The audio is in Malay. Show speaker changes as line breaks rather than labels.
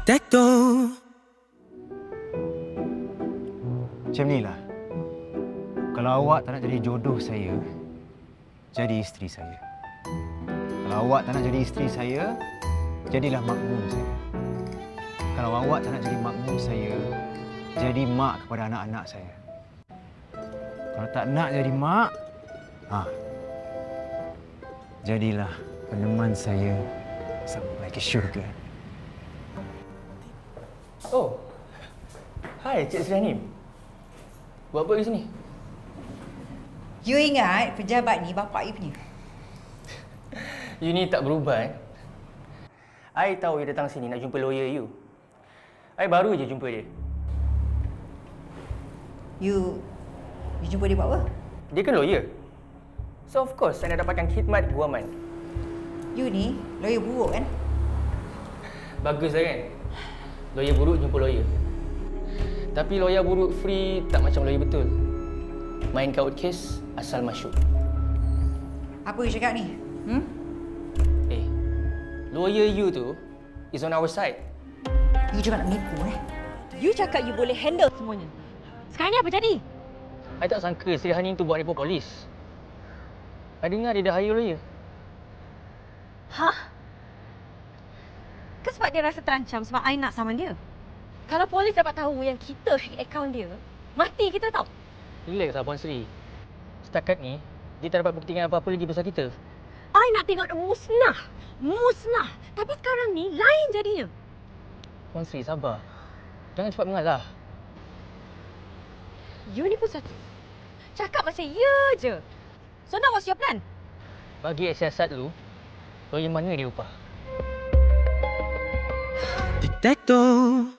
Tic-tac-toe.
Macam ni lah. Kalau awak tak nak jadi jodoh saya, jadi isteri saya. Kalau awak tak nak jadi isteri saya, jadilah makmum saya. Kalau awak tak nak jadi makmum saya, jadi mak kepada anak-anak saya. Kalau tak nak jadi mak, jadilah peneman saya sampai ke syurga.
Oh, hai Cik Sri Hanim. Buat apa di sini?
You ingat pejabat ni bapak you punya?
You ni tak berubah I tahu you datang sini nak jumpa lawyer you. I baru je jumpa dia.
You jumpa dia buat apa?
Dia kan lawyer. So of course saya nak dapatkan khidmat guaman.
You ni lawyer buruk kan?
Bagus lah kan? Lawyer buruk jumpa lawyer. Tapi lawyer buruk free tak macam lawyer betul. Main kaut kes asal masuk.
Apa you cakap ni?
Lawyer you tu is on our side.
You cuma nak menipu
You cakap you boleh handle semuanya. Sekarang ni apa jadi?
I tak sangka Sri Hanim tu buat report polis. I dengar dia dah hire lawyer.
Hah? Ke sebab dia rasa terancam sebab I nak saman dia? Kalau polis dapat tahu yang kita hack akaun dia, mati kita tau.
Relax lah Puan Sri. Setakat ni, dia tak dapat buktikan apa-apa lagi pasal kita.
I nak tengok dia musnah. Musnah. Tapi sekarang ni lain jadinya.
Puan Sri, sabar. Jangan cepat mengalah.
You ni pun satu. Cakap macam ya je. So now what's your plan?
Bagi siasat lu, lawyer mana dia upah?
Tic-tac-toe.